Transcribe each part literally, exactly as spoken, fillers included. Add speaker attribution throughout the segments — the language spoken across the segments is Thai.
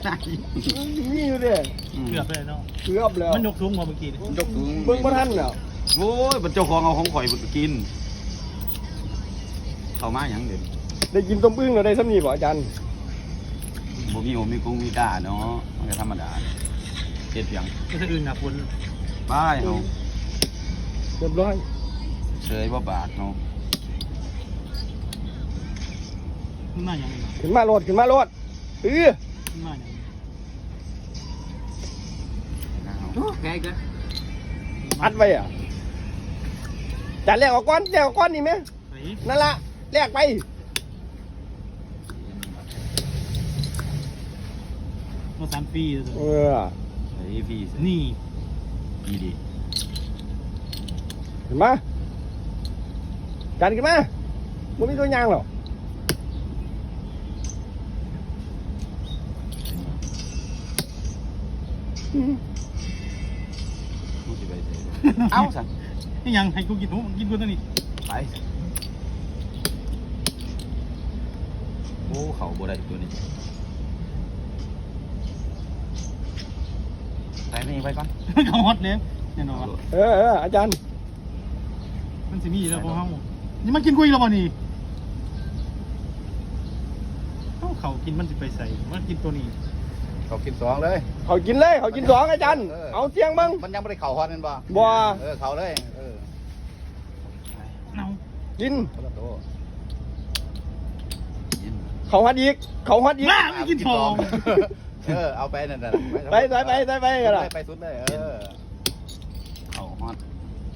Speaker 1: มีอยู่เด้
Speaker 2: เกือบเลยเนาะ
Speaker 1: เกือบแล้ว
Speaker 2: มันยกสูงกว่าเมื่อกี้
Speaker 3: ยกสูง
Speaker 1: เบิ่งบ่ทันแล้ว
Speaker 3: โอ้ยเป็นเจ้าของเอาของข่อยไปกินเข้ามาอย่างเด่น
Speaker 1: ได้กินต้มอึ่งเราได้ซ้ำนี่บ่อาจารย์
Speaker 3: บ่มีโอมีกุ้งมีกาเนาะมันก็ธรรมดาเจ็ดเพียง
Speaker 2: ก็จะอื่นนะคุณ
Speaker 3: บ้ายเนาะ
Speaker 1: เรียบร้อย
Speaker 3: เฉยบ่บาดเนาะ
Speaker 2: ขึ้นมาอย่างนี้
Speaker 1: ขึ้นมาโลดขึ้นมาโลดเออ
Speaker 2: ขึ้นมาอย่างนี้
Speaker 3: แกก็
Speaker 1: อัดไว้อ่ะจานแรกออกก้อนแรกออกก้อนนี่ไหมนั่นละแรกไป
Speaker 2: มาสามปีเลย
Speaker 1: เออ
Speaker 3: ไอ้พี่
Speaker 2: นี่
Speaker 3: ดีดี
Speaker 1: ขึ้นมาจานขึ้นมาไม่มีตัวยางหรอก
Speaker 3: เอาสั่ง
Speaker 2: นี่ยังให้กูกินหนูกินกูตัวนี้
Speaker 3: ไปโอ้เขาบ่ได้ตัวนี้ไปนี่ไปก่อน
Speaker 2: เขาฮอตเนี่ยแน่นอน
Speaker 1: เออเอออาจารย์
Speaker 2: มันสิมีแล้วพวกเขานี่มันกินกุยแล้วบ่นี่เขาเขากินมันสิไปใส่มันกินตัวนี้
Speaker 3: เขากินสองเลย
Speaker 1: เขากินเลยเขากินสองอาจารย์เอาเสียงบ้าง
Speaker 3: มันยังไม่ได้เข่าฮอตนั่นบ่
Speaker 1: บ่
Speaker 3: เออเข่าเลยเออ
Speaker 2: เอา
Speaker 1: กิน
Speaker 3: กิน
Speaker 1: เขาฮัดอีกเขาฮัดอีก
Speaker 2: ไม่กินทอง
Speaker 3: เออเอาไปนั่นน่ะ
Speaker 1: ไปไปไปไปไปกันละ
Speaker 3: ไปสุดเลยเออเข่าฮอต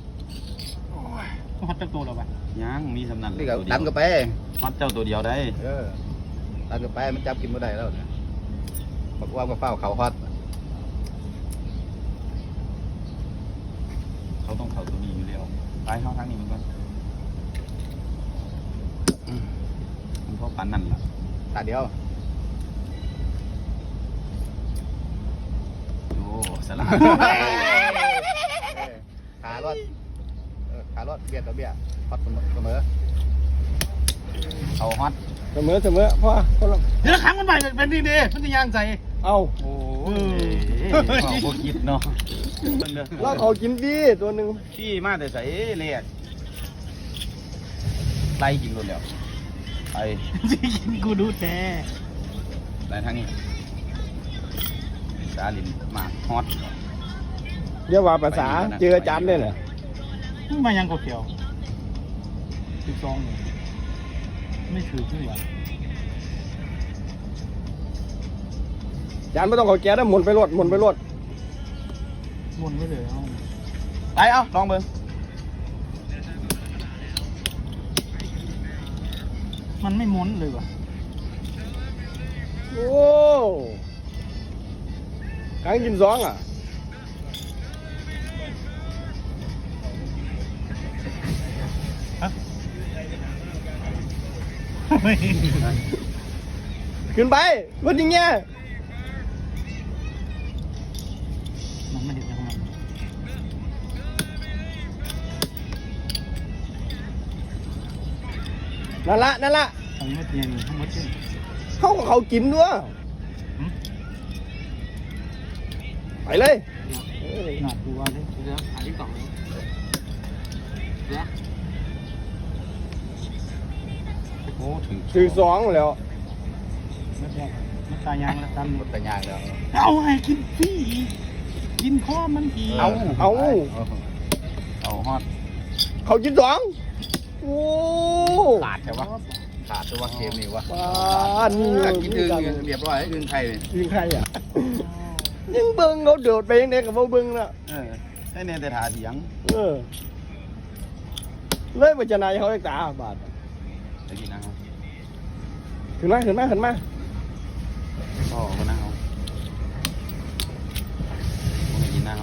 Speaker 2: ฮอตเจ้าตัวเราปะ
Speaker 3: ยังมีสำนัก
Speaker 4: นี่ก็ดันก็ไป
Speaker 3: ฮอตเจ้าตัวเดียวได้
Speaker 4: เออดันก็ไปมันจับกินไม่ได้แล้วเนี่ยบอกว่ามาเฝ้าเขาฮอต
Speaker 3: เขาต้องเขาตัวนี้อยู่แล้วไปเข้าทางนี้มันก่อนมันเพราะปันนั่นแหละ
Speaker 4: ตาเดียว
Speaker 3: โอ้สลับ
Speaker 4: ขารอดขารอดเบียดต่อเบียดฮอตเสมอ
Speaker 3: เขาฮอต
Speaker 1: เสมอเสมอพ่อคนละ
Speaker 2: เดี๋ยวขังมันไปเป็นดีดีมันจะย่างใจ
Speaker 1: เอา
Speaker 3: โอ้ยพวกคิดเนาะ
Speaker 1: แล้วเขากินดีตัวหนึ่ง
Speaker 3: ขี้มาแต่ใส่เลียดไล่กินคนเดียวไป
Speaker 2: จะกินกูดูแต่
Speaker 3: ไล่ทางนี้สาลินมาฮอต
Speaker 1: เรียกว่าภาษาเจออาจารย์เลยเหรอ
Speaker 2: มายังกเขียวสิบสองไม่ถือขึ้นหรอ
Speaker 1: จานไม่ต้องเขาแก้ได้หมุนไปรถหมุนไปรถ
Speaker 2: หมุนไม่เลยเอา
Speaker 3: ไปเอาลองเบิ้ง
Speaker 2: มันไม่ม้วนเลยว่ะ
Speaker 1: โอ้กางกินสองอ่ะขึ้นไปรถยิงเงี้ย
Speaker 2: มันไม่เห็นยังไง
Speaker 1: นั่นละนั่นละ
Speaker 2: ทั้งหมดเย็นทั้งหมดเย็น
Speaker 1: เขาของเขากินด้วยไปเลย
Speaker 2: หนักดูว่าเลยเดี๋ยวหาที่กล่องเลยเดี๋ยว
Speaker 3: โอ้ถึง
Speaker 1: ถือสองแล้ว
Speaker 2: ไม่ใช่ไม่ตายยางแล้วกัน
Speaker 4: หมดแต่ยางแล้ว
Speaker 2: เอาให้กินพี่กินข้อมันอี
Speaker 1: เอาเอา
Speaker 3: เอาฮอต
Speaker 1: เขากินสองโอ้
Speaker 4: ขาดใช่ปะขาดตัวเกมนี่วะ
Speaker 1: บ้านนี่
Speaker 4: กินอึ่งเรียบร้อยอึ่งไข่
Speaker 1: อึ่งไข่อ่ะยังเบิ้งเขาเดือดไปยังไงกับเขาเบิ้งน่ะ
Speaker 3: เออให้เนี่ยแต่ถาเสียง
Speaker 1: เออเลยมันจะนายเขาเอกตาบาท
Speaker 3: จะกินนะครับ
Speaker 1: ขึ้นมาขึ้นมาขึ้นมา
Speaker 3: พ่อมานั่งเอาไม่กินนั่งเอา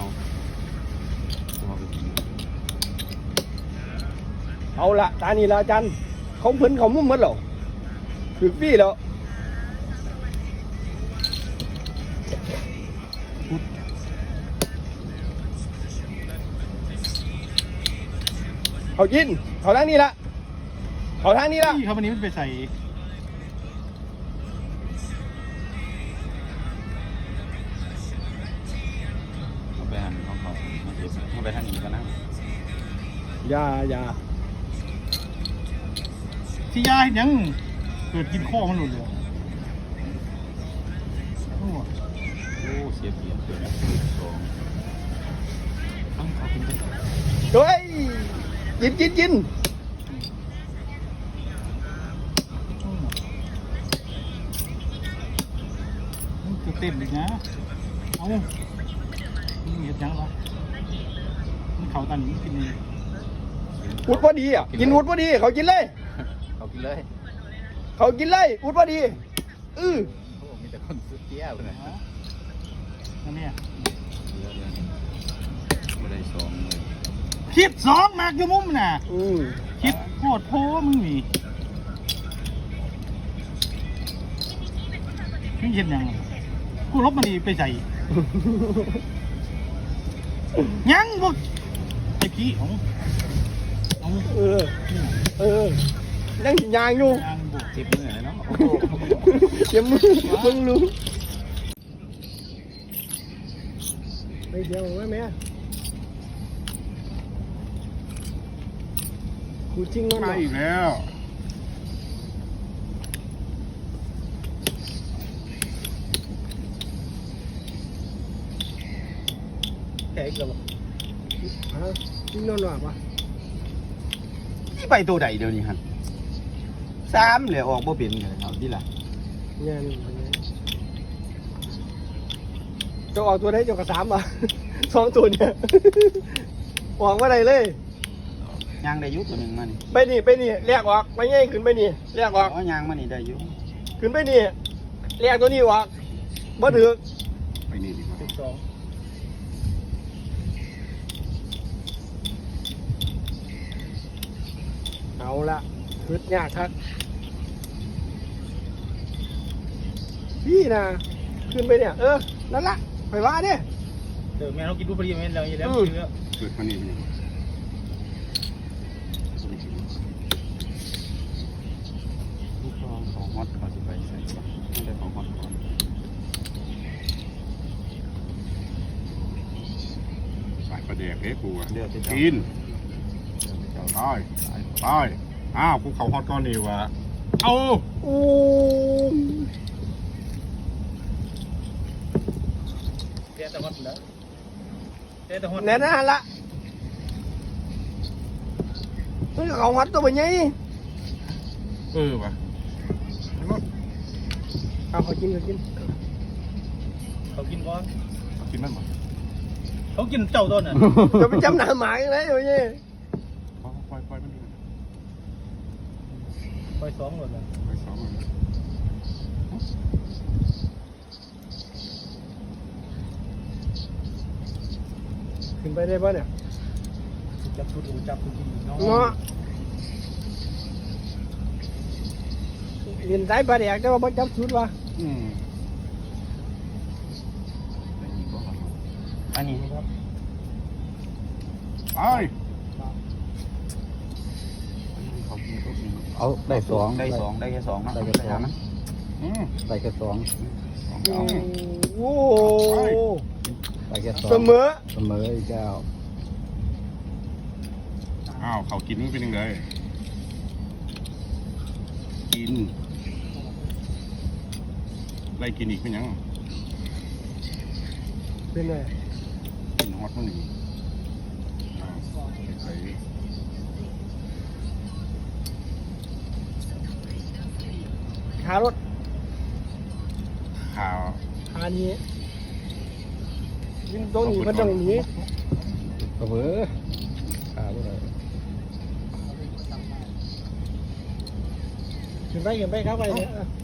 Speaker 1: เอาละตานี่ละจันเขาเพิ่นเขามุ่งมัดหรอคือพี่แล้วเขากินเขาทางนี้ละเขาทางนี้ละ
Speaker 2: เขาวันนี้มันไปใส่
Speaker 3: เอาไปทางนี้ก็นะ
Speaker 1: อยาอยา
Speaker 2: ที่ยายยังเกิดกินข้อมันหลุดเลยโอ้
Speaker 3: โอ้เสียเปรียบเกินนะสอง
Speaker 2: ต้องขอกินไป
Speaker 1: เฮ้ยกินกินกิน
Speaker 2: มันจะเต้นอีกนะเอามันเหยียดยังวะมันเข่าตันมันกินนี่
Speaker 1: อุดพอดีอ่ะกินอุดพอดีเขากินเลย
Speaker 4: เอากินเลย
Speaker 1: เขากินเลยอุดพอดีอือ
Speaker 4: โอ้มีแต่คนซื้อเตี้ยวเลย
Speaker 2: อันเนี้ย
Speaker 3: เยอะเลยไม่ได้สองเลย
Speaker 2: คิดสองมากอยู่มุมน่ะ
Speaker 1: อืม
Speaker 2: คิดโคตรโพมึงมีมึงเห็นยังกูลบมันดีไปใส่ ยังบ่ไอ้พี่ของเอา
Speaker 1: เออเออยังสิยางอยู่
Speaker 2: ยังบ่
Speaker 3: สิบมือเลยเนาะโอ้โห
Speaker 1: เดี๋ยวมึงมึงรู้ไปเดี๋ยวไว้แม่กูจริงแล้ว
Speaker 3: มา
Speaker 1: นะ
Speaker 3: อีกแล้ว
Speaker 1: แขกแล้วฮะจริงแล้วหรอปะ
Speaker 3: ที่ไปตัวใดเดี๋ยวนี้ฮะสามเลยออกบ่เป็นเลยเอาที่ละ
Speaker 1: เนี่ยนี่จะออกตัวได้จะกระสามอ่ะ สองตัวเนี่ยออกมาได้เลย
Speaker 3: ยางได้อยุตัวหนึ่งมานี่
Speaker 1: ไปนี่ไปนี่เรียกออกไปง่ายขึ้นไปนี่เรียกออก
Speaker 3: อ๋อยางมานี่ได้อยุ
Speaker 1: ขึ้นไปนี่เรียกตัวนี้ออกบ่ถือ
Speaker 3: ไปนี่ดีกว่า
Speaker 2: สิบสอง
Speaker 1: เอาละขึ้นยากครับพี่นะขึ้นไปเนี่ยเออนั่นละไปว่าเนี่ย
Speaker 2: เดี๋ยวแม่เรากินดูพอดีแม่เราอยู่แล้ว
Speaker 1: อืม
Speaker 2: เยอะ
Speaker 3: เปิดมานี่นี่ลูกทองของฮอตเขาจะไปใส่ก่อนไม่ได้ของฮอตก่อนใส่ประเดี๋ยวเอ๊ะกูอะ
Speaker 4: เดือดที่
Speaker 3: กินตายตายอ้าวกูเขาฮอตก้อนนี่วะเอา
Speaker 1: อู้
Speaker 2: เดี๋ยวแต่ฮอตแล้วเดี๋ยวแต่ฮอต
Speaker 1: แน่นอนละเฮ้ยเขาหัดตัวไปไง
Speaker 3: เออวะ
Speaker 1: เอาเขากินเขากิน
Speaker 2: เขากินก่อน
Speaker 3: กินมันบ่
Speaker 2: เขากินเจ้าต้นน่ะ
Speaker 1: จะไปจำหน้าหมาอย่างไรอยู่นี่
Speaker 3: ปล่อยปล่อยมันดู
Speaker 2: ไปสองหมดเลย
Speaker 3: ไปสองมัน
Speaker 1: ขึ้นไปได้ป่ะเนี่ย
Speaker 2: จับชุดกูจับชุดที่น้อง
Speaker 1: เนาะเรียนสายปลาแดกแต่ว่าบ่จับชุดวะ
Speaker 3: อืมอันนี้ครับไป
Speaker 4: เอาได้สอง
Speaker 3: ได้สองได้แค่สองเนาะ
Speaker 4: ได้แค่สอง
Speaker 3: อืม
Speaker 4: ได้แค่สอง
Speaker 3: สอง
Speaker 1: โอ้
Speaker 3: เอา
Speaker 1: โห
Speaker 4: ได้แค่สอง
Speaker 1: เสมอ
Speaker 4: เสมออีกแล้ว
Speaker 3: อ้าวเขากินมันเป็นยังไงกินไล่กินอีกเป็นยัง
Speaker 1: เป็นไง
Speaker 3: กินฮอตมันหนึ่งอ้าวใส่
Speaker 1: ขารถ
Speaker 3: ข่าว
Speaker 1: ขานี้ยิงตรงนี้มันตรงนี้
Speaker 4: เสมอขาบ่ได้
Speaker 1: ขึ้นไปขึ้นไปครับไปเนี่ย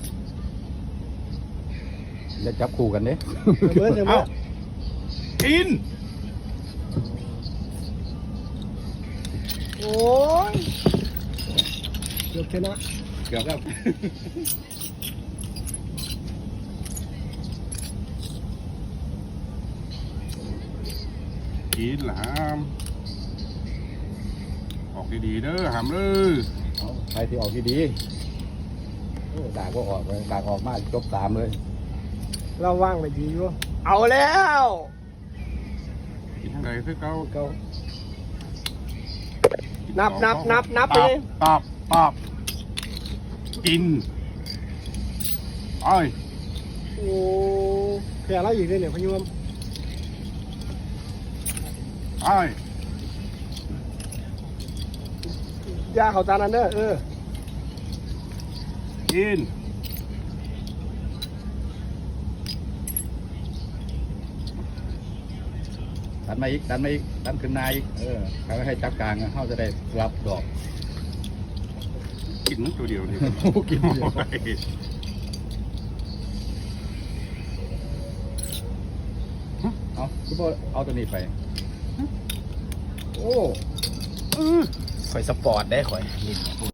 Speaker 4: อย่าจับคู่กันเด้
Speaker 1: เสมอเสมอ
Speaker 3: กิน
Speaker 1: โอ้ยเกือบชนะ
Speaker 3: เกือบแล้วกินหลามออกดีๆเด้อหามเลย
Speaker 4: เอาใครที่ออกดีๆโอ้ด่าก็ออกเลยด่าออกมาจบสามเลย
Speaker 1: เราว่างไปดีอยู่เอาแล้ว
Speaker 3: กินทั้งไก่คือเก่า
Speaker 1: เก้านับนับนับนับไปเลย
Speaker 3: ปอบปอบกินไอ้ย
Speaker 2: โอ้แค่อะไรอีกเนี่ยพะยม
Speaker 3: ไอ้ย
Speaker 1: ยาเขาจานนั้นเด้อเออ
Speaker 3: กิน
Speaker 4: ดันมาอีกดันมาอีกดันขึ้นนาอีกเออเขาให้จับกลางเขาจะได้รับดอก
Speaker 3: กินตัวเดียวนี่
Speaker 4: กินเดียว
Speaker 3: โอ้ย
Speaker 4: เอาคุณพ่อเอาตัวนี้ไปโอ้
Speaker 1: ข่อยสปอร์ตได้ข่อย